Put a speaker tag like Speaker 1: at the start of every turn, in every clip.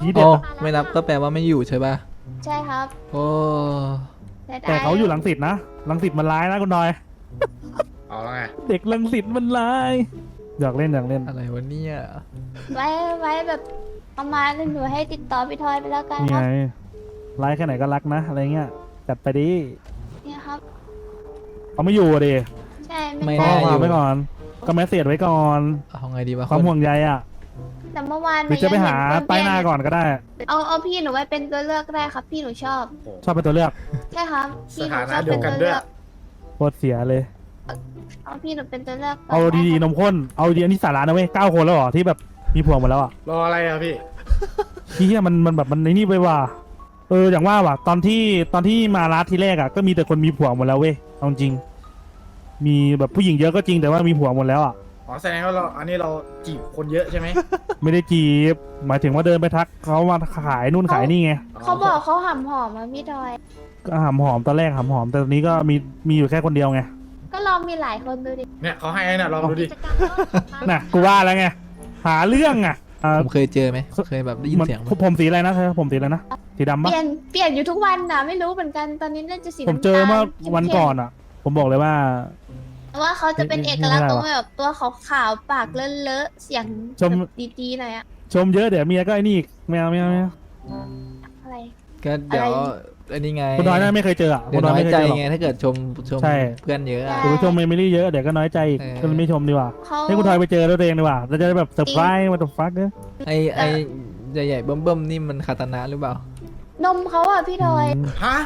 Speaker 1: ทีเด็
Speaker 2: โอ้
Speaker 1: ด
Speaker 2: ไม่นับก็แปลว่าไม่อยู่ใช่ป่ะ
Speaker 3: ใช่ครับ
Speaker 2: โอ้
Speaker 1: แต่เขาอยู่รังสิตนะรังสิตมันร้ายนะคุณดอย
Speaker 4: เอาแล้วไง
Speaker 1: เด็กรังสิตมันร้ายอยากเล่นอยากเล่น
Speaker 2: อะไรวะเนี่ย
Speaker 3: ไว้แบบประมาณนึงหนูให้ติดต่อพี่ทอยไปแล้วกัน
Speaker 1: นี่
Speaker 3: ครั
Speaker 1: ไง
Speaker 3: บ
Speaker 1: ร้ายแค่ไหนก็รักนะอะไรเงี้ยจัดไปดิ
Speaker 3: เนี่ยครับ
Speaker 1: เขาไม่อยู่อะดิ
Speaker 3: ใช่
Speaker 2: ไม่
Speaker 1: ข้อ
Speaker 2: น่า
Speaker 1: ค
Speaker 2: อ
Speaker 1: วาม
Speaker 2: ยู่
Speaker 1: ไว้ก่อนก็แมสเซจไว้ก่อน
Speaker 2: เอาไงดีวะ
Speaker 1: ความห่วงใยอ่ะ
Speaker 3: แต่เมื่อวาน
Speaker 1: หรือจะไปหาป้ายหน้าก่อนก็ได้
Speaker 3: เอาพี่หนูไว้เป็นตัวเลือกก็ได้ครับ พี่หนูชอบ
Speaker 1: ชอบเป็นตัวเลือก
Speaker 3: ใช่ครับพี่หนู
Speaker 4: ส
Speaker 3: ช
Speaker 4: ถา
Speaker 3: อบ
Speaker 4: นะเดี
Speaker 3: เป็
Speaker 4: ย
Speaker 3: น
Speaker 4: วกั
Speaker 3: ตั
Speaker 4: น
Speaker 3: ว
Speaker 4: ด้
Speaker 3: เลื
Speaker 4: วย
Speaker 3: อก
Speaker 1: โคตรเสียเลย
Speaker 3: เอาพี่หนูเป็นตัวเลือก
Speaker 1: เอาดีๆนมข้นเอาดีอันนี้สาระนะเว้ย9 คนแล้วเหรอที่แบบมีผัวหมดแล้วอ่ะ
Speaker 4: รออะไรอะพี่
Speaker 1: ที่มันแบบมันในนี่ไปว่าอย่างว่าว่ะตอนที่มาร้านที่แรกอ่ะก็มีแต่คนมีผัวหมดแล้วเว้ยเอาจริงมีแบบผู้หญิงเยอะก็จริงแต่ว่ามีผัวหมดแล้วอ่ะ
Speaker 4: อ๋อแสดงว่าอันนี้เราจีบคนเยอะใช่ไหม
Speaker 1: ไม่ได้จีบหมายถึงว่าเดินไปทักเขามาขายนู่นขายนี่ไง
Speaker 3: เขาบอกเขาหำหอมมาพี่ทอย
Speaker 1: ก็หำหอมตอนแรกหำหอมแต่ตอนนี้ก็มีอยู่แค่คนเดียวไง
Speaker 3: ก็ลองมีหลายคนดูดิ
Speaker 4: เนี่ยเขาให้น่ะลองดูดิ
Speaker 3: กิจกรรมก็
Speaker 1: น่ะกูว่าแล้วไงหาเรื่องอ่ะ
Speaker 2: ผมเคยเจอไหมเคยแบบได้ยิน
Speaker 1: มัน
Speaker 2: เสียงไหม
Speaker 1: ผมสีอะไรนะเธอผมสีอะไรนะสีดำ
Speaker 3: เป
Speaker 1: ปะ
Speaker 3: ลี่ยนอยู่ทุกวันนะไม่รู้เหมือนกันตอนนี้น่าจะสี
Speaker 1: ผม
Speaker 3: น้ำตาล
Speaker 1: เจอเมื่อวันก่อน
Speaker 3: เข้ม
Speaker 1: อ่ะ ผมบอกเลยว่า
Speaker 3: ๆแต่ว่าเขาจะเป็นเอกลักษณ์ตรงแบบตัวขาวๆปากเลอะๆเสียง
Speaker 1: ชม
Speaker 3: แบบดีๆหน่อยอะ
Speaker 1: ชมเยอะเดี๋ยวเมียก็ไอ้นี่อีกไม่เอาไม่เอาไม่เอา
Speaker 3: อะไร
Speaker 2: ก็เดี๋ยว
Speaker 3: อะไร
Speaker 2: อันนี้ไง
Speaker 1: คุณน้อยน่าไม่เคยเจออ่ะ
Speaker 2: เดี๋
Speaker 1: คุ
Speaker 2: ยว
Speaker 1: ณน้อย
Speaker 2: น้อย
Speaker 1: ไม่เคย
Speaker 2: ใจ
Speaker 1: เจอหรอก
Speaker 2: ไงถ้าเกิดชม
Speaker 1: ใช่
Speaker 2: เพื่อนเยอะอะ
Speaker 1: เดี๋ยวไปชมเมมโมรี่เยอะเดี๋ยวก็น้อยใจอีก
Speaker 2: เออ
Speaker 1: ก็เลยไม่ชมดีกว่า
Speaker 3: เขา
Speaker 1: ให้คุณทอยไปเจอตัวเองดีกว่าเราจะได้แบบเซอร์ไพรส์มาตบฟักเนอะ
Speaker 2: ไอใหญ่ๆเบิ่มๆนี่มันคาตานะหรือเปล่า
Speaker 3: นมเขาอะพี่ทอย
Speaker 4: ฮะ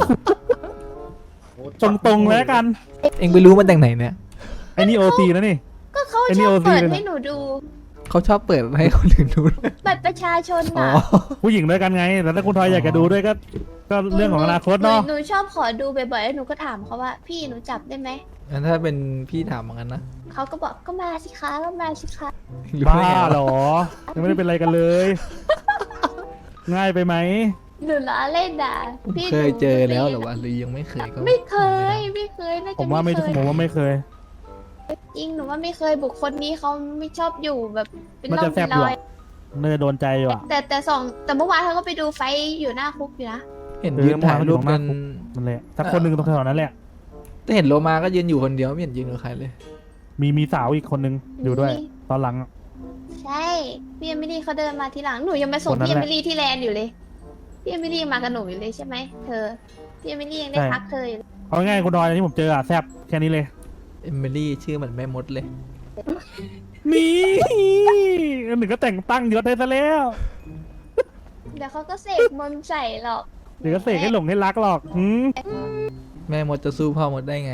Speaker 1: ตรงๆแล้วกัน
Speaker 2: เอ็งไปรู้มาจากไหนเนี่ย
Speaker 1: ไอ้นี่โอซีนะนี่
Speaker 3: ก็เขา
Speaker 1: ไอ้
Speaker 3: ช
Speaker 1: นี่
Speaker 3: อบ
Speaker 1: OC
Speaker 3: เปิด
Speaker 1: เลยนะ
Speaker 3: ให้หนูดู
Speaker 2: เขาชอบเปิดให้คนอื่นดู
Speaker 3: บัตรประชาชน
Speaker 2: อ๋อ
Speaker 3: อะ
Speaker 1: ผู้หญิงด้วยกันไงแต่ถ้าคุณทอยอยากจะดูด้วยก็เรื่องของอนาคตเนาะ
Speaker 3: หนูชอบขอดูบ่อยๆแล้วหนูก็ถามเขาว่า พี่หนูจับได้ไหม
Speaker 2: งั้นถ้าเป็นพี่ถามเหมือนกันนะ
Speaker 3: เขาก็บอกก็มาสิคะก็มาสิคะ
Speaker 2: รู้
Speaker 1: บ้า
Speaker 2: ได้ไงวะ
Speaker 1: เหรอยังไม่ได้เป็นอะไรกันเลย ง่ายไปไหม
Speaker 3: หนูล้อเล่นอ่ะพี่
Speaker 2: เคยเจอแล้วเหรอ
Speaker 3: หนู
Speaker 2: วะหรือยังไม่เคยก็
Speaker 3: ไม่เคยน่า
Speaker 1: ผ
Speaker 3: จะ
Speaker 1: มว่าไม่
Speaker 3: เคย
Speaker 1: ผมว่าไม่เคย
Speaker 3: จริงหนูว่าไม่เคยบุคคลนี้เขาไม่ชอบอยู่แบบเป็น
Speaker 1: มัน
Speaker 3: ร่อ
Speaker 1: จะ
Speaker 3: ง
Speaker 1: แซ่
Speaker 3: เป็
Speaker 1: บ
Speaker 3: น
Speaker 1: อยู่
Speaker 3: รอย
Speaker 1: อะเนยโดนใจอยู่อ่ะ
Speaker 3: แต่เมื่อวานเขาก็ไปดูไฟท์อยู่หน้าคุกอยู่นะ
Speaker 2: เห็นยืนถ่ายรูปกัน
Speaker 1: นั่นแหละถ้าคนหนึ่งตรงแถวนั้นแหละ
Speaker 2: แต่เห็นโลมาก็ยืนอยู่คนเดียวไม่เห็นยืนกับใครเลย
Speaker 1: มีสาวอีกคนนึงอยู่ด้วย ตอนหลังอะ
Speaker 3: ใช่พี่เอมิลี่เขาเดินมาทีหลังหนูยังไปส่ง
Speaker 1: คนนั้น
Speaker 3: พี่เอ
Speaker 1: แหละ
Speaker 3: มิลี่ที่แลนด์อยู่เลยพี่เอมิลี่มากับหนูอยู่เลยใช่ไหมเธอพี่เอมิลี่ยังได้พักเธออยู่เลย
Speaker 1: เอาง่ายๆคุณดอยที่ผมเจออะแซ่บแค่นี้เลย
Speaker 2: เอมิลี่ชื่อเหมือนแม่มดเลย
Speaker 1: นี่อันหนึ่งก็แต่งตั้งยศได้ซะแล้ว
Speaker 3: เดี๋ยวเขาก็เสกมนต์ใส่หรอก
Speaker 1: เดี๋ยวก็เสกให้หลงให้รักหรอก
Speaker 2: แม่มดจะสู้พ่อมดได้ไง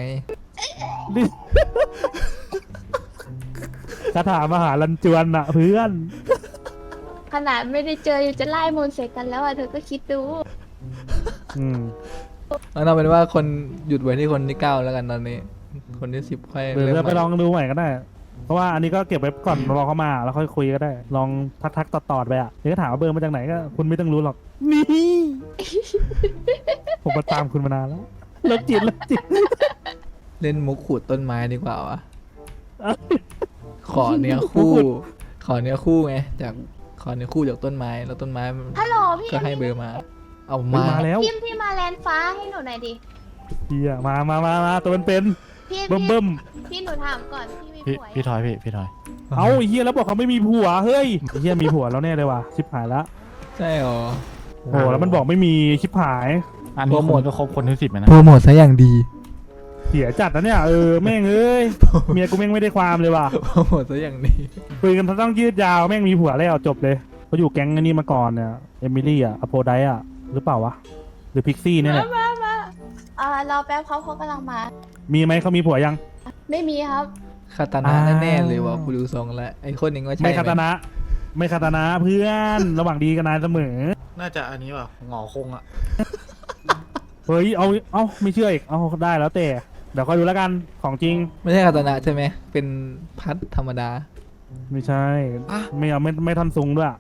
Speaker 1: คาถามหาลันจวนอะเพื่อน
Speaker 3: ขนาดไม่ได้เจออยู่จะไล่มนต์ใส่กันแล้วอ่ะเธอก็คิดดู
Speaker 1: อืม
Speaker 2: แล้วเอาเป็นว่าคนหยุดไว้ที่คนที่ 9 แล้วกันตอนนี้ คนที่ 10ค่อย
Speaker 1: หรือ
Speaker 2: เริ่ม
Speaker 1: จะ
Speaker 2: ให
Speaker 1: ไป
Speaker 2: ม่
Speaker 1: ลองดูใหม่ก็ได้ เพราะว่าอันนี้ก็เก็บไว้ก่อนรอเขามาแล้วค่อยคุยก็ได้ ลองทักต่อๆไปอะเดี๋ยวก็ถามว่าเบอร์มาจากไหนก็คุณไม่ต้องรู้หรอก นี่ ผมมาตามคุณมานานแล้วเลิกจิต
Speaker 2: เล่นมุกขูดต้นไม้ดีกว่าวะ ขอเนื้อคู่ ขอเนื้อคู่ไงจากขอเนื้อคู่จากต้นไม้แล้วต้นไม้มัน
Speaker 3: ฮัลโหลพี่
Speaker 2: ก็ให้เบอร์มา เอามา
Speaker 1: มาแล้ว
Speaker 3: พี่มาแลนฟ้าให้หนูหน่อยดิ
Speaker 1: เฮียมาตัวเป็น
Speaker 3: พี่
Speaker 1: เบิ่มเบิ่ม
Speaker 3: พี่หนูถามก่อนพี่มี
Speaker 5: พี่
Speaker 3: ผัว
Speaker 5: พี่ทอยพี่ทอย
Speaker 1: เอาไอ้เฮียแล้วบอกเขาไม่มีผัวเฮ้ยไอ้เฮียมีผัวแล้วแน่เลยว่ะชิบหายละ
Speaker 2: ใช่หรอ
Speaker 1: โอ้โหแล้วมันบอกไม่มีชิบหาย
Speaker 5: อันนี้
Speaker 2: โปรโมท
Speaker 5: คุณก็ครบคนที่ 10ไหมนะ
Speaker 2: โปรโมทซะอย่างดี
Speaker 1: เสียจัดนะเนี่ยแม่งเอ้ยเมียกูแม่งไม่ได้ความเลยว่ะ
Speaker 2: โปรโมทซะอย่างดี
Speaker 1: คุยกันต้องยืดยาวแม่งมีผัวแล้วจบเลยเขาอยู่แก๊งอันนี้มาก่อนเนี่ยเอมิลี่อะอโพไดอะหรือเปล่าวะหรือพิกซี่เนี่ยแหละ
Speaker 3: รอแป๊บเขากำลังมา
Speaker 1: มีไหมเขามีผัวยัง
Speaker 3: ไม่มีครับ
Speaker 2: คาตานะ
Speaker 1: อ้าว
Speaker 2: แน่ๆเลยว่ะกูดูทรงแล้วไอ้คนหนึ่งว่าใช่
Speaker 1: ไม่
Speaker 2: ไหม
Speaker 1: คาตานะ ไม่คาตานะเพื่อน ระหว่างดีกันนานเสมอ
Speaker 4: น่าจะอันนี้ว่ะหงอคงอ่ะ
Speaker 1: เฮ้ยเอาไม่เชื่ออีกเอาได้แล้วแต่เดี๋ยวคอยดูแล้วกันของจริง
Speaker 2: ไม่ใช่คาตานะใช่ไหมเป็นพัดธรรมดา
Speaker 1: ไม่ใช่ ไม่เอาไม่ทันซุงด้วย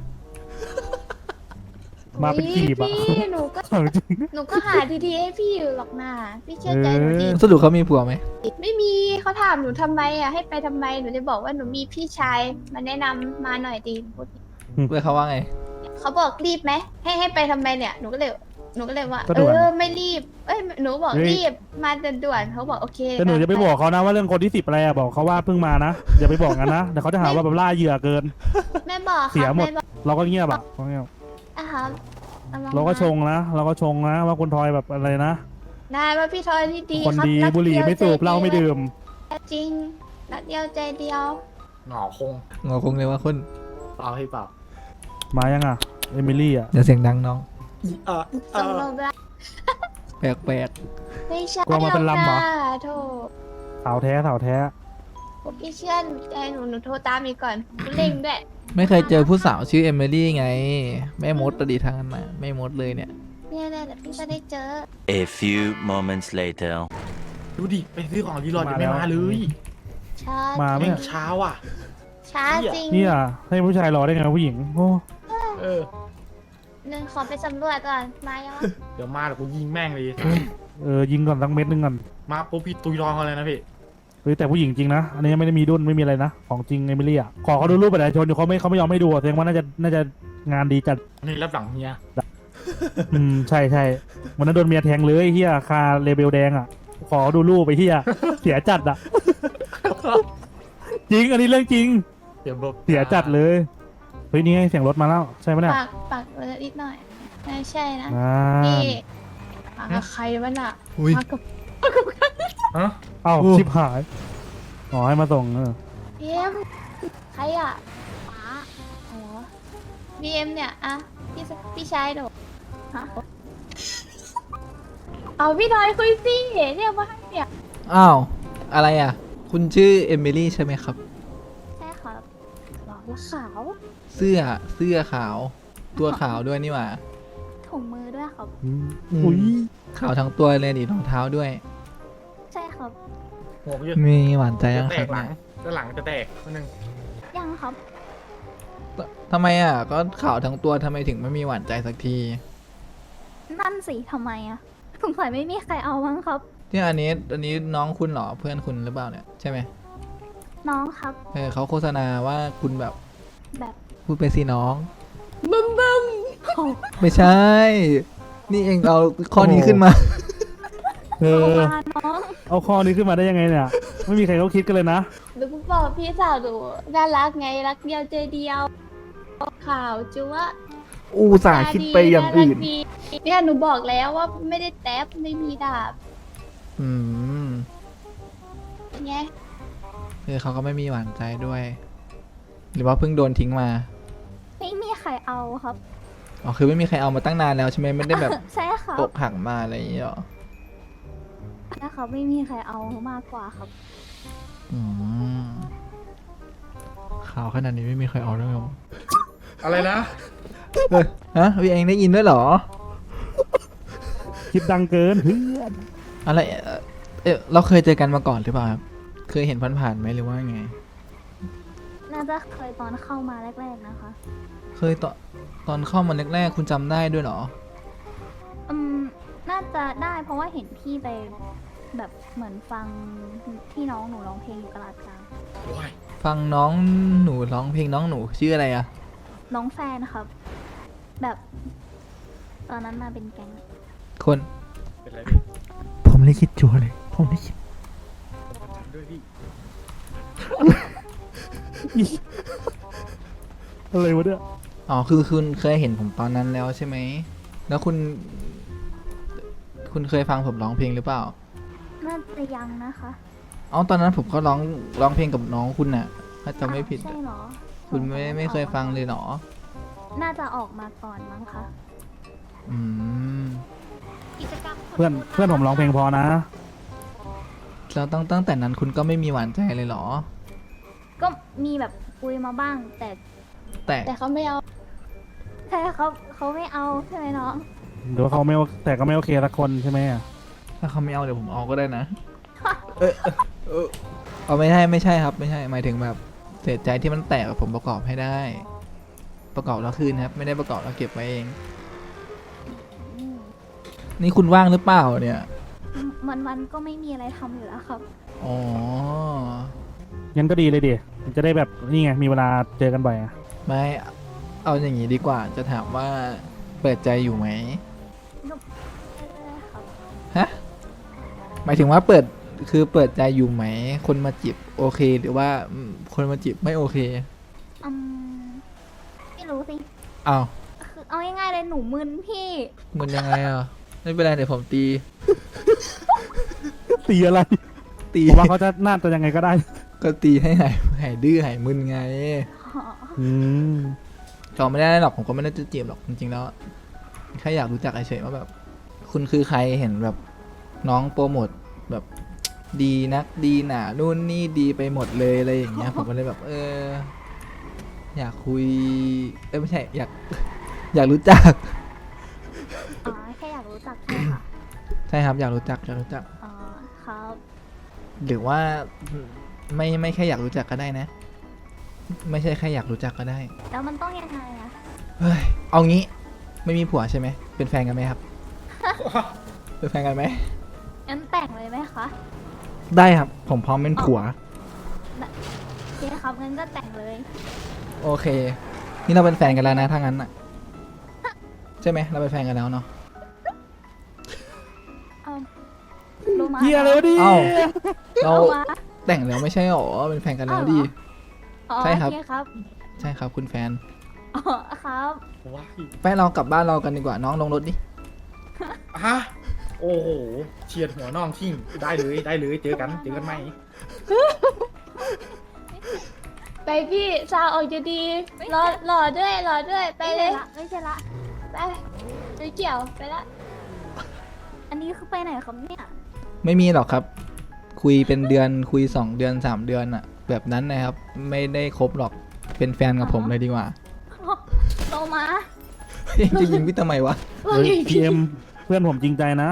Speaker 1: มาเป็นกีบอะ
Speaker 3: พี่หนูก็
Speaker 1: ของจริง
Speaker 3: หนูก็หาทีๆให้พี่อยู่หรอกนะพี่เชื่อใจหนูดิ
Speaker 2: สรุปเขามีผัวไหม
Speaker 3: ไม่มีเขาถามหนูทำไมอ่ะให้ไปทำไมหนูจะบอกว่าหนูมีพี่ชายมาแนะนำมาหน่อยดีพูด
Speaker 2: เพื่อเขาว่าไง
Speaker 3: เเขาบอกรีบไหมให้ไปทำไมเนี่ยหนูก็เลยว่า
Speaker 1: ก็ด่วน
Speaker 3: ไม่รีบหนูบอก
Speaker 1: เฮ้ย
Speaker 3: รีบมาด่วนๆเขาบอกโอเค
Speaker 1: แต่หนูจะไปบอกเขานะว่าเรื่องคนที่10อะไรอะบอกเขาว่าเพิ่งมานะอย่าไปบอกกันนะเดี๋ยวเขาจะหาว่าแบบล่าเหยื่อเกิน
Speaker 3: ไม่บอก
Speaker 1: เสีย
Speaker 3: ครับ
Speaker 1: หมด
Speaker 3: ไม่บอก
Speaker 1: เราก็เงียบอะเราเงียบ
Speaker 3: อ่ะครับอม
Speaker 1: เราก็ชงนะเราก็ชงนะว่าคุณทอยแบบอะไรนะ
Speaker 3: ได้ว่าพี่ทอยที่ดี
Speaker 1: คน
Speaker 3: ครับ
Speaker 1: ดี
Speaker 3: รัก
Speaker 1: บุหรี่
Speaker 3: ดียว
Speaker 1: ไม่สูบ
Speaker 3: ใจ
Speaker 1: เหล้าไม่ดื่ม
Speaker 3: จริงรักเดียวใจเดียว
Speaker 4: หงอคง
Speaker 2: งอคงเลยว่าคุณ
Speaker 4: เปล่าให้เปล่า
Speaker 1: มายังอะเอมิลี่อะ
Speaker 2: เดี๋ยวเสียงดังน้อง
Speaker 3: ส่งโลบลา
Speaker 2: แปลก
Speaker 3: ไม่ใช่
Speaker 1: กลัวมาเป็นลำเหรอ
Speaker 3: โทษ
Speaker 1: สาวแท้สาวแท้
Speaker 3: ผมพี่เชื่อใจหนูโทรตามอีกก่อนเร่งด้วย
Speaker 2: ๆไม่เคยเจอผู้สาวชื่อเอมิลี่ไงแม่มดตดีทางนั้นนะแม่มดเลยเนี่ย
Speaker 3: เนี่ยเดี๋ยวพี่จะได้เจอ
Speaker 5: A few moments later.
Speaker 4: ดูดิไปซื้อของรีรอดยังไม่มาเลย
Speaker 3: ช้า
Speaker 1: มาไหม
Speaker 4: แม่งเช้าอ่ะ
Speaker 3: ช้าจริง
Speaker 1: เนี่ยให้ผู้ชายรอได้ไงผู้หญิงโอ้
Speaker 4: เออ
Speaker 3: หนึ่งขอไปสำรวจก่อนมายังวะ
Speaker 4: เดี๋ยวมาเดี๋ยวกูยิงแม่งเลย
Speaker 1: ยิงก่อนสักเม็ดนึงก่อน
Speaker 4: มาปุ๊บพี่ตุยรองเขาเลยนะพี่
Speaker 1: เฮ้ยแต่ผู้หญิงจริงนะอันนี้ไม่ได้มีดุนไม่มีอะไรนะของจริงเอมิลี่อะขอเขาดูรูปประชาชนอยู่เขาไม่ยอมให้ดูอะแสดงว่าน่าจะงานดีจัด
Speaker 4: นี่รับหลังเฮีย
Speaker 1: ใช่วันนั้นโดนเมียแทงเลยเฮียคาเลเบลแดงอ่ะ ขอดูรูปไปเฮีย เสียจัดอ่ะ จริงอันนี้เรื่องจริง
Speaker 4: เดี๋ยวแบบ
Speaker 1: เสียจัดเลยเฮ้ยนี่ไงเสียงรถมาแล้วใช่ไหมเนี่ย
Speaker 3: ปากนิดหน่อยไม่ใช่นะ
Speaker 1: อ่า
Speaker 3: นี่มากับใครวะน่ะ
Speaker 2: อุ้ย
Speaker 3: มากับ
Speaker 4: ฮะ
Speaker 1: เอ้า
Speaker 2: โอ้
Speaker 1: ชิบหายอ๋อให้มาส่ง
Speaker 3: บีเอ็มใครอ่ะป๋าอ๋อบีเอ็มเนี่ยอะพี่ชายหนูฮะเอาพี่ทอยคุยสิเรียกว่าให้เนี่ย
Speaker 2: อ้าวอะไรอ่ะ คุณชื่อเอมิลี่ใช่ไหมครับ
Speaker 3: ใช่ครับหล่อและขาว
Speaker 2: เสื้อขาว ตัวขาวด้วยนี่หว่า
Speaker 3: ถุงมือด้วยครับ
Speaker 1: อุ้ย
Speaker 2: ขาวทั้งตัวเลยดิรองเท้าด้วย
Speaker 3: ใช่ครับ
Speaker 4: หัวกูจะ
Speaker 2: มีหวานใจยัง
Speaker 4: แต
Speaker 2: ครับ
Speaker 4: กหลั
Speaker 2: เนี่
Speaker 4: ง
Speaker 2: ย
Speaker 4: ด้านหลังจะแตกคนนึง
Speaker 3: ยังครับ
Speaker 2: ทำไมอ่ะ ก็ขาวทั้งตัวทำไมถึงไม่มีหวานใจสักที
Speaker 3: นั่นสิทำไมอะสงสัยไม่มีใครเอามั้งครับ
Speaker 2: เนี่ยอันนี้น้องคุณเหรอเพื่อนคุณหรือเปล่าเนี่ยใช่ไหม
Speaker 3: น้องครับ
Speaker 2: เขาโฆษณาว่าคุณแบบ
Speaker 3: แบบ
Speaker 2: พูดไปสิน้อง
Speaker 3: บึ้มบึ้มโอ้
Speaker 2: ไม่ใช่ นี่เองเอาข้อนี้ขึ้นมา
Speaker 1: เอ
Speaker 3: โห
Speaker 1: อ
Speaker 3: มาน้อง
Speaker 1: เอาข้อนี้ขึ้นมาได้ยังไงเนี่ย ไม่มีใครเขาคิดกันเลยนะ
Speaker 3: หรือบอกพี่สาวหนูน่ารักไงรักเดียวใจเดียวข่าวจัว
Speaker 2: อูสาห์คิดไปอย่างอื่น
Speaker 3: รักดีเนี่ยหนูบอกแล้วว่าไม่ได้แท็บไม่มีดาบ
Speaker 2: อืม
Speaker 3: ไง
Speaker 2: เขาก็ไม่มีหวานใจด้วย หรือว่าเพิ่งโดนทิ้งมา
Speaker 3: ไม่มีใครเอาครับ
Speaker 2: อ๋อคือไม่มีใครเอามาตั้งนานแล้วใช่ไหมไม่ได้แบบ
Speaker 3: ใช่ครับ
Speaker 2: อกหักมาอะไรอย่างเงี้ยหรอ
Speaker 3: นะครับไม่มีใครเอามากกว่าครับ
Speaker 2: อืมข่าวขนาดนี้ไม่มีใครเอาด้วยเหรอ
Speaker 4: อะไรนะ
Speaker 2: ฮะพี่เองได้ยินด้วยเหรอ
Speaker 1: คิดดังเกินเพื่อน
Speaker 2: อะไรเราเคยเจอกันมาก่อนหรือเปล่าครับเคยเห็นผ่านๆไหมหรือว่าไง
Speaker 3: น่าจะเคยตอนเข้ามาแรกๆนะคะ
Speaker 2: เคยตอนเข้ามาแรกๆคุณจำได้ด้วยเหรอ
Speaker 3: น่าจะได้เพราะว่าเห็นพี่ไปแบบเหมือนฟังที่น้องหนูร้องเพลงอยู่ตลาดกลาง
Speaker 4: โอ้ย
Speaker 2: ฟังน้องหนูร้องเพลงน้องหนูชื่ออะไรอะ
Speaker 3: น้องแฟนครับ แบบ ตอนนั้นมาเป็นแก๊ง
Speaker 2: คน
Speaker 4: เป็นไรพี่
Speaker 2: ผมเลยคิดจัวเลย ผมเลยคิด
Speaker 4: ฉันด้วยพี่
Speaker 1: อะไรวะเนี่ย
Speaker 2: อ๋อคือคุณเคยเห็นผมตอนนั้นแล้วใช่ไหมแล้วคุณเคยฟังผมร้องเพลงหรือเปล่า
Speaker 3: น่าจะยังนะคะ
Speaker 2: อ๋อตอนนั้นผมก็ร้องเพลงกับน้องคุณน่ะถ้าจำไม่ผิด
Speaker 3: ใช่เหรอ
Speaker 2: คุณไม่เคยฟังเลยเหรอ
Speaker 3: น่าจะออกมาก่อนมั้งคะ
Speaker 2: อืม
Speaker 3: กิจกรรม
Speaker 1: เพื่อนผมร้องเพลงพอนะ
Speaker 2: แล้วตั้งแต่นั้นคุณก็ไม่มีหวานใจเลยเหรอ
Speaker 3: ก็มีแบบคุยมาบ้าง แต่
Speaker 2: แต่
Speaker 3: แต่เขาไม่เอาใช่เขาไม่เอาใช่ไหมน้อง
Speaker 1: หรือว่าเขาไม่โอแต่ก็ไม่โอเคสักคนใช่ไหมอะ
Speaker 2: ถ้าเขาไม่เอาเดี๋ยวผมเอาก็ได้นะ เอาไม่ใช่ครับไม่ใช่หมายถึงแบบเสียใจที่มันแตกผมประกอบให้ได้ ประกอบแล้วคืนครับ ไม่ได้ประกอบแล้วเก็บไว้เอง นี่คุณว่างหรือเปล่าเนี่ย
Speaker 3: วันก็ไม่มีอะไรทำอยู่แล้วครับ
Speaker 2: อ๋อ
Speaker 1: งั้นก็ดีเลยดิจะได้แบบนี่ไงมีเวลาเจอกันบ่อยอะ
Speaker 2: ไม่เอาอย่างนี้ดีกว่าจะถามว่าเปิดใจอยู่ไหม
Speaker 3: หนูครับ
Speaker 2: ฮะหมายถึงว่าเปิดใจอยู่ไหม คนมาจีบโอเคหรือว่าคนมาจีบไม่โอเค
Speaker 3: อืมไม่รู้สิ
Speaker 2: อ้าว
Speaker 3: คือเอาง่ายๆเลยหนูมึนพี่
Speaker 2: มันยังไงอ่ะไม่เป็นไรเดี๋ยวผมตี
Speaker 1: ตีอะไร
Speaker 2: ตี
Speaker 1: ผมว่าเขาจะน่าจะยังไงก็ได้
Speaker 2: ก็ตีให้หายดื้อหายมึนไง
Speaker 1: อืม
Speaker 2: ก็ไม่ได้หรอกผมก็ไม่ได้จะจีบหรอกจริงๆแล้วแค่อยากรู้จักเฉยๆว่าแบบ คุณคือใครเห็นแบบน้องโปรโมทแบบดีนักดีหนานู่นนี่ดีไปหมดเลยอะไรอย่างเงี้ย ผมก็เลยแบบ อยากคุยไม่ใช่อยากรู้จัก
Speaker 3: อ๋อแค่อยากรู้จักใช่ค่ะ
Speaker 2: ใช่ครับอยากรู้จัก
Speaker 3: อ๋อครับ
Speaker 2: หรือว่าไม่แค่อยากรู้จักก็ได้นะ ไม่ใช่แค่อยากรู้จักก็ได้
Speaker 3: แล้วมันต้องยังไงอะ
Speaker 2: เฮ้ยเอางี้ไม่มีผัวใช่ไหมเป็นแฟนกันไหมครับ เป็นแฟนกันไหม
Speaker 3: งั้นแต่งเลยไหมคะ
Speaker 2: ได้ครับ ผมพร้อมเป็นผัว
Speaker 3: โอเคครับงั้นก็แต่งเลย
Speaker 2: โอเค นี่เราเป็นแฟนกันแล้วนะถ้างั้นอ่ะ ใช่ไหมเราเป็นแฟนกันแล้วเนาะ
Speaker 3: เอารู้มา
Speaker 1: เฮียอะไรวะดิ
Speaker 2: เอ้า เรา
Speaker 3: เอามา
Speaker 2: แต่งแล้วไม่ใช่หรอเป็นแฟนกันแล้วดิ
Speaker 3: อ๋อ
Speaker 2: ใช่ครับ
Speaker 3: โอเคครับ
Speaker 2: ใช่ครับคุณแฟน
Speaker 3: อ๋อครับ
Speaker 4: ว้าย
Speaker 2: ไปเรากลับบ้านเรากันดีกว่าน้องลงรถดิ
Speaker 4: ฮะโอ้โหเฉียดหัวน้องทิ้งได้เลยเจอกันไหม
Speaker 3: ไปพี่ซาออกจะดีรอด้วยไปเลยไม่ใช่ละไปไม่เกี่ยวไปละอันนี้คือไปไหนครับเนี่ย
Speaker 2: ไม่มีหรอกครับ คุยเป็นเดือนคุย2 เดือน3 เดือนอะแบบนั้นนะครับ ไม่ได้ครบหรอกเป็นแฟนกับผมเลยดีกว่า
Speaker 3: โตมา
Speaker 2: จะยิงพี่ทำไมวะ
Speaker 1: เฮ้ยพีเอ็มเพื่อนผมจริงใจนะ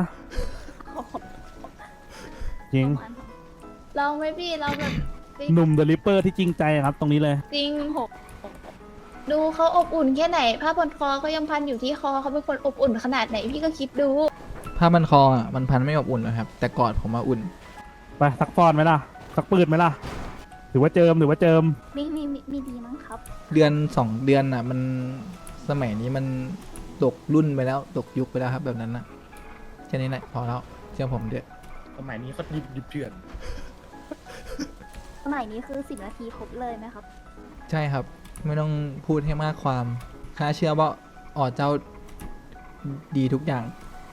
Speaker 1: จริง
Speaker 3: ลองไหมพี่เราแบบ
Speaker 1: หนุ่มเดลิเปอร์ที่จริงใจครับ ตรงนี้เลย
Speaker 3: จริงหกดูเขาอบอุ่นแค่ไหนผ้าพันคอเขายังพันอยู่ที่คอเขาเป็นคนอบอุ่นขนาดไหนพี่ก็คิดดู
Speaker 2: ผ้ามันคออะมันพันไม่อบอุ่นหรอกครับ แต่กอดผมมาอุ่น
Speaker 1: ไปสักฟอนไหมล่ะสักปืนไหมล่ะหรือว่าเจิม
Speaker 3: มีดีมั้งครับ
Speaker 2: เดือน2 เดือนอ่ะ มันสมัยนี้มันตกรุ่นไปแล้วตกยุคไปแล้วครับ แบบนั้นนะแค่นี้แหละพอแล้วเชื่อผมเดี๋ยว
Speaker 4: สมัยนี้เขาดิบเถื่อน
Speaker 3: สมัยนี้คือ10 นาทีครบเลยไหมครับ
Speaker 2: ใช่ครับ ไม่ต้องพูดให้มากความข้าเชื่อว่าอ๋อเจ้าดีทุกอย่าง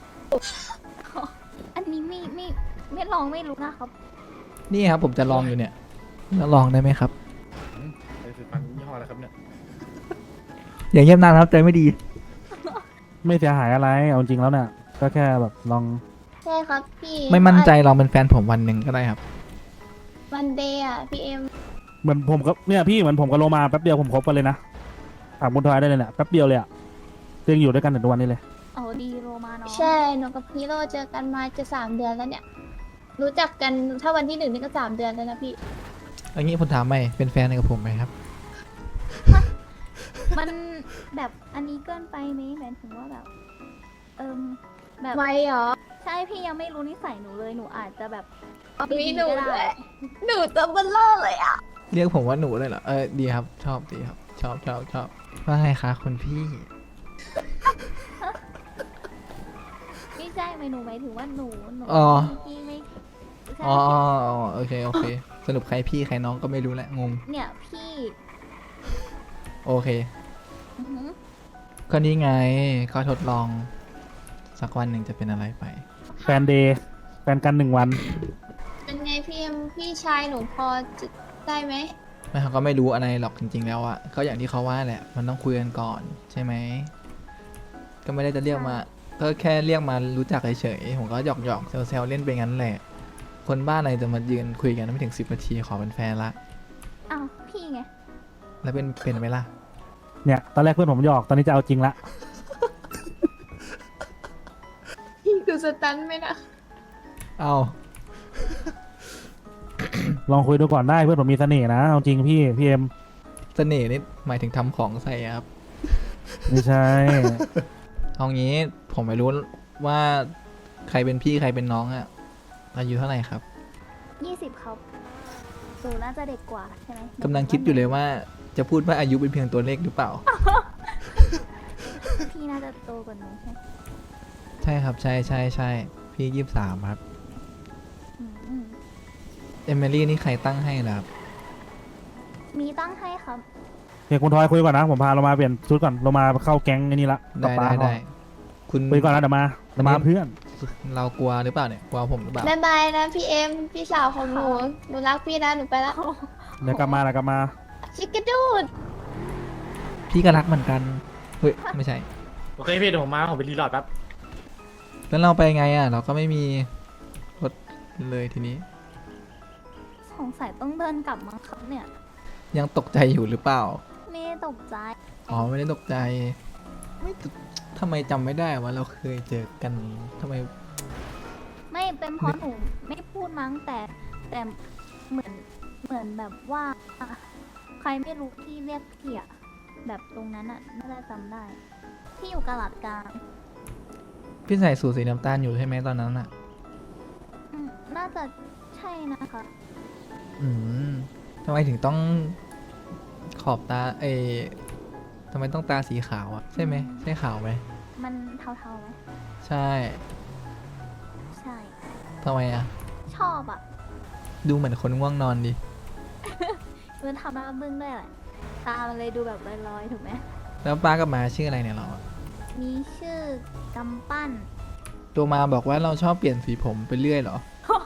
Speaker 3: อันนี้ไม่ลองไม่รู้นะครับ
Speaker 2: นี่ครับ ผมจะลองอยู่เนี่ยแล้วลองได้ไหมครับ
Speaker 4: ไปสืบฟังยี่ห้ออะไรครับเนี่ย
Speaker 2: อย่างเงียบนานครับใจไม่ดี
Speaker 1: ไม่เสียหายอะไรเอาจริงแล้วเนี่ยก็แค่แบบลอง
Speaker 3: ใช่ครับพี่
Speaker 2: ไม่มั่นใจลองเป็นแฟนผมวันหนึ่งก็ได้ครับ
Speaker 3: วันเดย์อ่ะพี่เอ็ม
Speaker 1: เหมือนผมกับเนี่ยพี่เหมือนผมกับโลมาแป๊บเดียวผมคบกันเลยนะถามคุณทอยได้เลยเนี่ยแป๊บเดียวเลยอะยังอยู่ด้วยกันถึงทุกวันนี้เลย
Speaker 3: เอาดีโรมาเนาะใช่หนูกับพี่โรเจอกันมาจะ3 เดือนแล้วเนี่ย รู้จักกันถ้าวันที่ 1นี่ก็3 เดือนแล้วนะพี่
Speaker 2: อันนี้ผมถามใหม่เป็นแฟนกับผมไหมครับ
Speaker 3: มันแบบอันนี้เกินไปไหมหมายถึงว่าแบบแบบไวเหรอใช่พี่ยังไม่รู้นิสัยหนูเลยหนูอาจจะแบบมีหนูด้วยหนูตัวเบลอเลยอ่ะ
Speaker 2: เรียกผมว่าหนูเลยเหรอดีครับ ชอบดีครับ ชอบว่าไงคะคุณพี่
Speaker 3: ไม่ใช่หนูหมายถึงว่าหนู
Speaker 2: อ๋อ
Speaker 3: พี่ไม่ใช่
Speaker 2: อ๋อโอเคสรุปใครพี่ใครน้องก็ไม่รู้แหละงง
Speaker 3: เนี่ยพี่
Speaker 2: โอเค
Speaker 3: อื้อหือ
Speaker 2: ก็นี่ไงก็ทดลอง สักวันหนึ่งจะเป็นอะไรไป
Speaker 1: แฟนเดย์แฟนกัน1 วัน
Speaker 3: เป็นไงพี่เอ็มพี่ชายหนูพอจะได้ไหม
Speaker 2: ไม่เขาก็ไม่รู้อะไรหรอกจริง ๆ แล้วอะก็อย่างที่เขาว่าแหละ มันต้องคุยกันก่อน ใช่ไหม ก็ไม่ได้จะเรียกมา ก็แค่เรียกมารู้จักเฉยๆผมก็หยอกๆแซวๆเล่นไปงั้นแหละ คนบ้านอะไรจะมายืนคุยกันไม่ถึง10 นาทีขอเป็นแฟนละ
Speaker 3: อ้าวพี่ไง
Speaker 2: แล้วเป็นไหมล่ะ
Speaker 1: เนี่ยตอนแรกเพื่อนผมหยอกตอนนี้จะเอาจริงละ
Speaker 3: พี่ดูสตันไหมนะ
Speaker 2: เอา
Speaker 1: ลองคุยดูก่อนได้เพื่อนผมมีเสน่ห์นะเอาจริงพี่เอ็ม
Speaker 2: เสน่ห์นี่หมายถึงทำของใส่อะครับ
Speaker 1: ไม่ใช่
Speaker 2: เอางี้ผมไม่รู้ว่าใครเป็นพี่ใครเป็นน้องอะอายุเท่าไหร่ครับ
Speaker 3: 20ครับหนูน่าจะเด็กกว่าใช่ไหม
Speaker 2: กำลังคิดอยู่เลยว่าจะพูดว่าอายุเป็นเพียงตัวเลขหรือเปล่า
Speaker 3: พี่น่าจะโตกว่าหนูใช่ไหม
Speaker 2: ใช่ครับ ใช่พี่23 ครับ
Speaker 3: อืม
Speaker 2: เอมิลี่นี่ใครตั้งให้ล่ะครับ
Speaker 3: มีตั้งให้ครับ
Speaker 1: เดี๋ยวคุณทอยคุยก่อนนะผมพาเรามาเปลี่ยนชุดก่อนเรามาเข้าแก๊งไอ้นี่ละกับป้า
Speaker 2: ได้คุณ
Speaker 1: คุยก่อนนะเดี๋ยวมาเพื่อน
Speaker 2: เรากลัวหรือเปล่าเนี่ยกลัวผมหรือเปล่า
Speaker 6: บายบายนะพี่เอ็มพี่สาวของหนูหนูรักพี่นะหนูไปละ
Speaker 1: เดี๋ยวกลับมา
Speaker 6: ชิคกี้ดูด
Speaker 2: พี่ก็รักเหมือนกันเฮ้ยไม่ใช่
Speaker 4: โอเคพี่เดี๋ยวผมมาผมไปรีโหลดแป๊บ
Speaker 2: แล้วเราไปไงอ่ะ เราก็ไม่มีรถเลยทีนี้
Speaker 3: สงสัยต้องเดินกลับมั้งครับเนี่ย
Speaker 2: ยังตกใจอยู่หรือเปล่า
Speaker 3: ไม่ได้ตกใจ
Speaker 2: อ๋อไม่ได้ตกใจไม่ตทำไมจำไม่ได้ว่าเราเคยเจอกันทำไม
Speaker 3: ไม่เป็นเพราะหนูไม่พูดมั้งแต่เหมือนแบบว่า ใครไม่รู้ที่เรียกพี่อะแบบตรงนั้นอะน่าจะจำได้ ที่อยู่กะหลัดกลาง
Speaker 2: พี่ใส่สูทสีน้ำตาลอยู่ใช่ไหมตอนนั้นอ่ะ
Speaker 3: น่าจะใช่นะคะ
Speaker 2: อืมทำไมถึงต้องขอบตาทำไมต้องตาสีขาวอ่ะใช่ไหมใช่ขาวไหม
Speaker 3: มันเทาๆไหม
Speaker 2: ใช่
Speaker 3: ใช่
Speaker 2: ทำไมอ่ะ
Speaker 3: ชอบอะ
Speaker 2: ดูเหมือนคนง่วงนอนดิ
Speaker 3: มันทำหน้าบึ้งด้วยแหละตามันเลยดูแบบลอยๆถูกไหม
Speaker 2: แล้วป้ากับมาชื่ออะไรเนี่ยเราอะ
Speaker 3: มีชื่อกำปั้น
Speaker 2: ตัวมาบอกว่าเราชอบเปลี่ยนสีผมไปเรื่อยเหรอ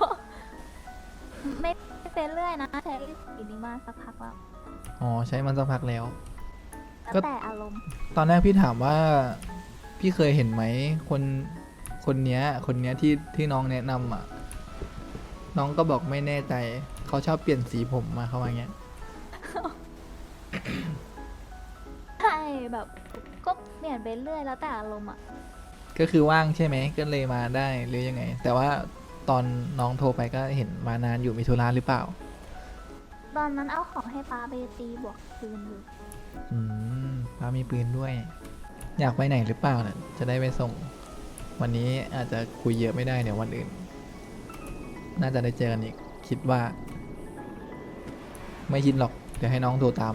Speaker 3: ไม่เป็นเรื่อยนะใช้สีนี้มาสักพักแล้ว
Speaker 2: อ๋อใช้มันสักพักแล้ว
Speaker 3: แล้ว
Speaker 2: ก็
Speaker 3: แต่อารมณ์
Speaker 2: ตอนแรกพี่ถามว่าพี่เคยเห็นไหมคนเนี้ยที่น้องแนะนำอ่ะ น้องก็บอกไม่แน่ใจเขาชอบเปลี่ยนสีผมมาเขาว่าอย่างเงี้ย
Speaker 3: ใช่แบบก็เปลี่ยนไปเรื่อยแล้วแต่อารมณ์อ่ะ
Speaker 2: ก็คือว่างใช่ไหมก็เลยมาได้หรือยังไง แต่ว่าตอนน้องโทรไปก็เห็นมานานอยู่มีธุระหรือเปล่า
Speaker 3: ตอนนั้นเอาของให้ป้าไปตีบวกคืนอยู่
Speaker 2: อืมป้ามีปืนด้วย อยากไปไหนหรือเปล่าเนี่ยจะได้ไปส่ง วันนี้อาจจะคุยเยอะไม่ได้เดี๋ยววันอื่น น่าจะได้เจอกันอีกคิดว่า ไม่คิดหรอกเดี๋ยวให้น้องโทรตาม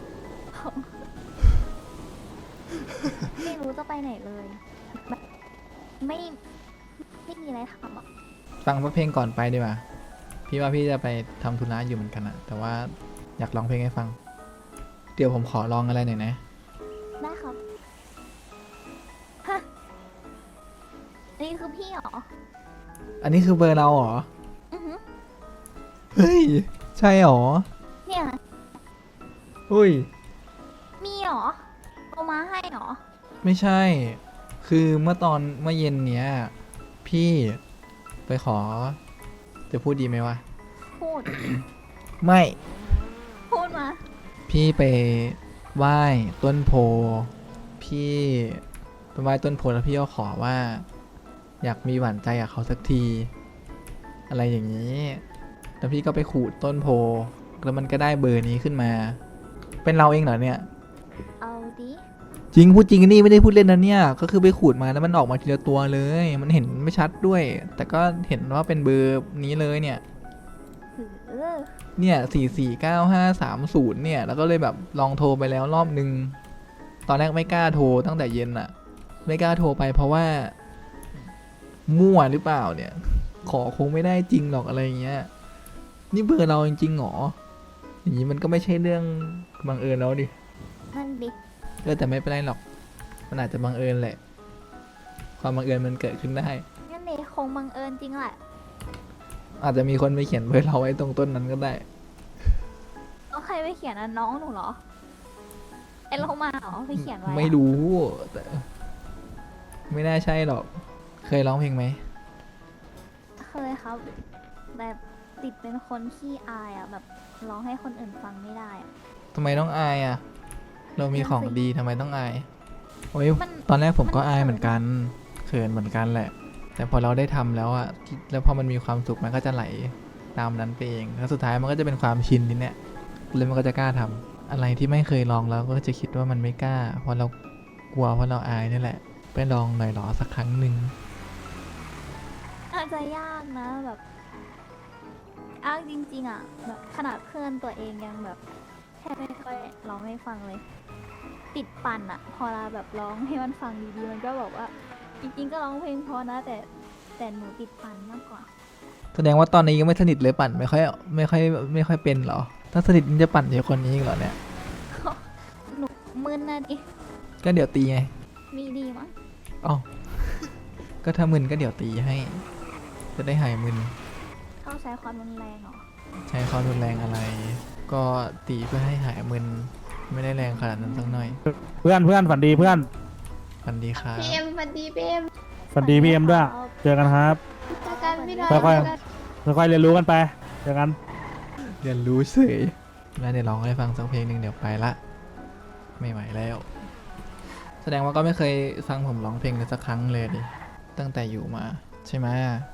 Speaker 3: ไม่รู้จะไปไหนเลยแบบไม่มีอะไรทำอ่ะ
Speaker 2: ฟังเพลงก่อนไปดีกว่าพี่ว่าพี่จะไปทำธุระอยู่เหมือนกันอะแต่ว่าอยากร้องเพลงให้ฟัง เดี๋ยวผมขอลองอะไรหน่อยนะ
Speaker 3: ได้ครับฮะนี่คือพี่เหรอ
Speaker 2: อันนี้คือเบอร์เราเหรอ
Speaker 3: อือหือ
Speaker 2: เฮ้ย ใช่เหรอ
Speaker 3: เนี่ย
Speaker 2: อุ้ย
Speaker 3: มีเหรอเอามาให้เหรอ
Speaker 2: ไม่ใช่ คือเมื่อเย็นเนี้ย พี่ไปขอ จะพูดดีไหมวะ
Speaker 3: พูด
Speaker 2: ไม่
Speaker 3: พูดมา
Speaker 2: พี่ไปไหว้ต้นโพ พี่ไปไหว้ต้นโพแล้วพี่ก็ขอว่า อยากมีหวานใจกับเขาสักที อะไรอย่างนี้ แล้วพี่ก็ไปขูดต้นโพ แล้วมันก็ได้เบอร์นี้ขึ้นมา เป็นเราเองเหรอเนี่ย
Speaker 3: เอาดิ
Speaker 2: จริงพูดจริงนี่ไม่ได้พูดเล่นนะเนี่ย ก็คือไปขูดมาแล้วมันออกมาทีละตัวเลย มันเห็นไม่ชัดด้วย แต่ก็เห็นว่าเป็นเบอร์นี้เลยเนี่ย
Speaker 3: หือ
Speaker 2: เนี่ย449530เนี่ย แล้วก็เลยแบบลองโทรไปแล้วรอบนึง ตอนแรกไม่กล้าโทรตั้งแต่เย็นอะไม่กล้าโทรไปเพราะว่า มั่วหรือเปล่าเนี่ย ขอคงไม่ได้จริงหรอกอะไรอย่างเงี้ย นี่เบอร์เราจริงๆหรอ อย่างนี้มันก็ไม่ใช่เรื่องบังเอิญแล้วดิ
Speaker 3: นั่นดิ
Speaker 2: แต่ไม่เป็นไรหรอก มันอาจจะบังเอิญแหละ ความบังเอิญมันเกิดขึ้นได้
Speaker 3: งั้นเดคงบังเอิญจริงแหละ
Speaker 2: อาจจะมีคนไปเขียนเบอร์เราไว้ตรงต้นนั้นก็ได้
Speaker 3: เอาใครไปเขียนอ่ะน้องหนูเหรอไอ้โลมาเหรอไปเขียนไว้อะ
Speaker 2: ไม่รู้แต่ไม่น่าใช่หรอก เคยร้องเพลงไหม
Speaker 3: เคยครับแบบติดเป็นคนขี้อายอ่ะแบบร้องให้คนอื่นฟังไม่ได้อ่ะ
Speaker 2: ทำไมต้องอายอ่ะ เรามีของดีทำไมต้องอาย โอ้ย
Speaker 3: มัน
Speaker 2: ตอนแรกผมก็
Speaker 3: มัน
Speaker 2: อายเหมือนกัน เขินเหมือนกันแหละ แต่พอเราได้ทำแล้วอ่ะ แล้วพอมันมีความสุขมันก็จะไหลตามนั้นไปเอง แล้วสุดท้ายมันก็จะเป็นความชินทีเนี้ยเลยมันก็จะกล้าทำอะไรที่ไม่เคยลองแล้วก็จะคิดว่ามันไม่กล้า เพราะเรากลัวเพราะเราอายนี่แหละ ไปลองหน่อยหรอสักครั้งหนึ่ง
Speaker 3: อาจจะยากนะแบบอ้างจริงๆอ่ะแบบขนาดเพื่อนตัวเองยังแบบแค่ไม่ค่อยร้องให้ฟังเลยติดปั่นอะพอเราแบบร้องให้มันฟังดีๆมันก็บอกว่าจริงๆก็ร้องเพลงเพอนะแต่หนูติดปั่นมากกว่า
Speaker 2: แสดงว่าตอนนี้ยังไม่สนิทเลยปั่นไม่ค่อยเป็นเหรอ ถ้าสนิทมันจะปั่นเยอะคนนี้อีกเหรอเนี่ย
Speaker 3: หนูมึนนะดิ
Speaker 2: ก็เดี๋ยวตีไง
Speaker 3: มีดีมั้ง
Speaker 2: อ๋อ ก็ถ้ามึนก็เดี๋ยวตีให้ จะได้หายมึน
Speaker 3: เข้าใช้ความรุนแรงเหรอ
Speaker 2: ใช้ความรุนแรงอะไร ก็ตีเพื่อให้หายมึน ไม่ได้แรงขนาดนั้นสักหน่อย
Speaker 1: เพื่อนฝันดีเพื่อน
Speaker 2: ฟันดีครับ
Speaker 6: พี่เอ็มสวัสดีพี่เอ็ม
Speaker 1: ฝันดีพี่เอ็มด้วย เจอกันครับ
Speaker 6: เจอกันพี่ดอย
Speaker 1: ค่อยๆ
Speaker 6: เจอกัน
Speaker 1: ค่อยๆเรียนรู้กันไปเจอกัน
Speaker 2: เรียนรู้เฉยแล้วเดี๋ยวร้องให้ฟังสักเพลงหนึ่งเดี๋ยวไปละ ไม่ไหวแล้ว แสดงว่าก็ไม่เคยฟังผมร้องเพลงเลยสักครั้งเลยดิ ตั้งแต่อยู่มา ใช่ไหม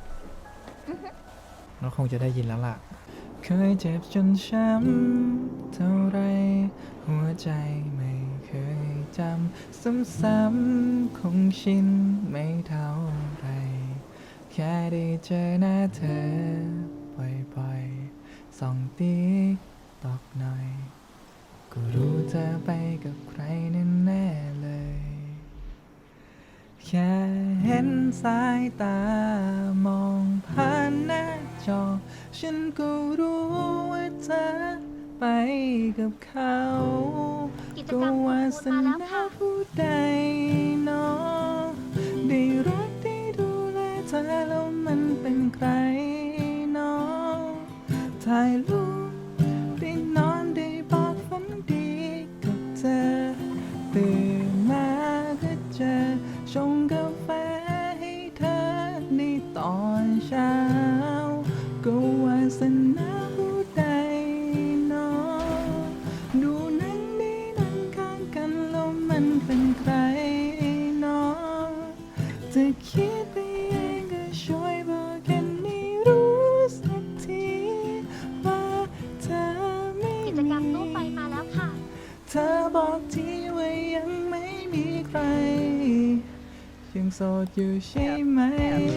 Speaker 2: เราคงจะได้ยินแล้วล่ะ เคยเจ็บจนช้ำเท่าไร หัวใจไม่เคยจำซ้ำๆคงชินไม่เท่าไร แค่ได้เจอหน้าเธอบ่อยๆส่องติ๊กตอกหน่อย ก็รู้เธอไปกับใครแน่ๆเลย แค่เห็นสายตามองผ่านหน้าจอ ฉันก็รู้ว่าเธอไปกับเขา
Speaker 3: กิจ
Speaker 2: ก็
Speaker 3: กรรม
Speaker 2: วา
Speaker 3: ของ
Speaker 2: ส
Speaker 3: คุณมาแล้ว
Speaker 2: นา
Speaker 3: ค่ะ
Speaker 2: ผู้ใดเนาะได้รักได้ดูแลเธอแล้วมันเป็นใครเนาะถ่ายรูปได้นอนได้บอกฝันดีกับเธอตื่นมาก็เจอชงกาแฟให้เธอในตอนเช้าก็วาสนาผู้ใดเนาะดูหนังได้นั่งข้างกันแล้วมันเป็นใครเนาะจะคิดไปเองก็ช่วยบอกกันให้รู้สักทีว่าเธอไม่
Speaker 3: กิจกรรมตู้ไฟมาแล้วค่ะ
Speaker 2: เธอบอกทีว่ายังไม่มีใคร ยังโสดอยู่ใช่ไหม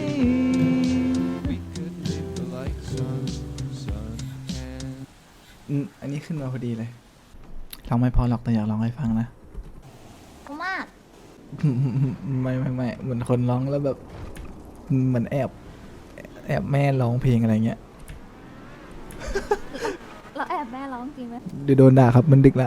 Speaker 2: อันนี้ขึ้นมาพอดีเลยร้องไม่พอหรอกแต่อยากร้องให้ฟังนะ
Speaker 3: กูมาก
Speaker 2: ไม่เหมือนคนร้องแล้วแบบเหมือนแอบแม่ร้องเพลงอะไรเงี้ย
Speaker 3: เราแอบแม่ร้องจริงไหม
Speaker 2: เดี๋ยวโดนด่าครับมันดึกละ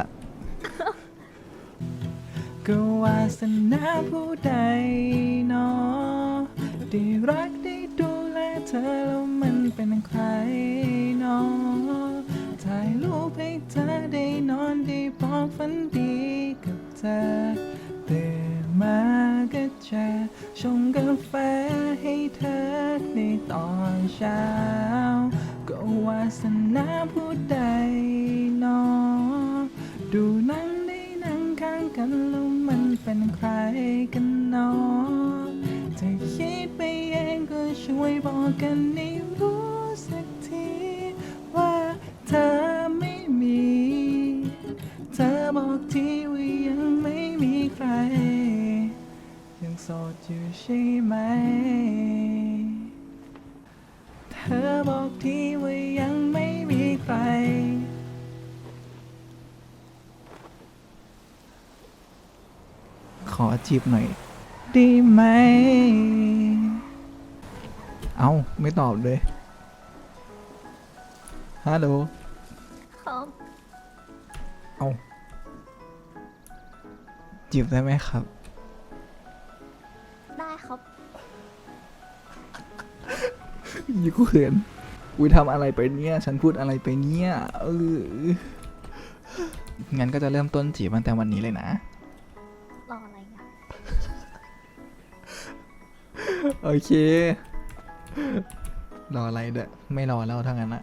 Speaker 2: ก็วาสนาผู้ใดเนาะได้รักได้ดูแลเธอแล้วมันเป็นใครเนาะถ่ายรูปให้เธอได้นอนได้บอกฝันดีกับเธอตื่นมาก็เจอชงกาแฟให้เธอในตอนเช้าก็วาสนาผู้ใดเนาะดูหนังได้นั่งข้างกันแล้วมันเป็นใครกันเนาะจะคิดไปเองก็ช่วยบอกกันให้รู้สักทีว่าเธอไม่มี เธอบอกทีว่ายังไม่มีใคร ยังโสดอยู่ใช่ไหม เธอบอกทีว่ายังไม่มีใคร ขอจีบหน่อยได้ไหม เอาไม่ตอบเลย ฮัลโหล
Speaker 3: ครับ
Speaker 2: เอาจีบได้ไหมครับ
Speaker 3: ได้ครับ
Speaker 2: อยู่กูเขินกูทำอะไรไปเนี่ย ฉันพูดอะไรไปเนี่ยงั้นก็จะเริ่มต้นจีบตั้งแต่วันนี้เลยนะ
Speaker 3: รออะไรอ่ะ
Speaker 2: โอเค รออะไรเด้อไม่รอแล้วทั้งนั้นนะ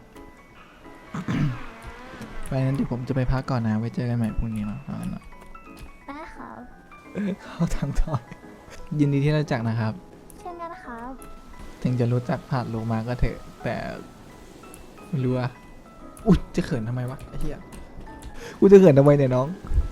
Speaker 2: ไปนั้นเดี๋ยวผมจะไปพักก่อนนะ ไว้เจอกันใหม่พรุ่งนี้เนาะเอางั้นเนอะ
Speaker 3: ได้ครับ
Speaker 2: เข้าทางทอยยินดีที่รู้จักนะครับ
Speaker 3: เช่นกันครับ
Speaker 2: ถึงจะรู้จักผ่านโลมาก็เถอะ แต่ไม่รู้อะอุ๊ยจะเขินทำไมวะไอ้เหี้ยกูจะเขินทำไมเนี่ยน้อง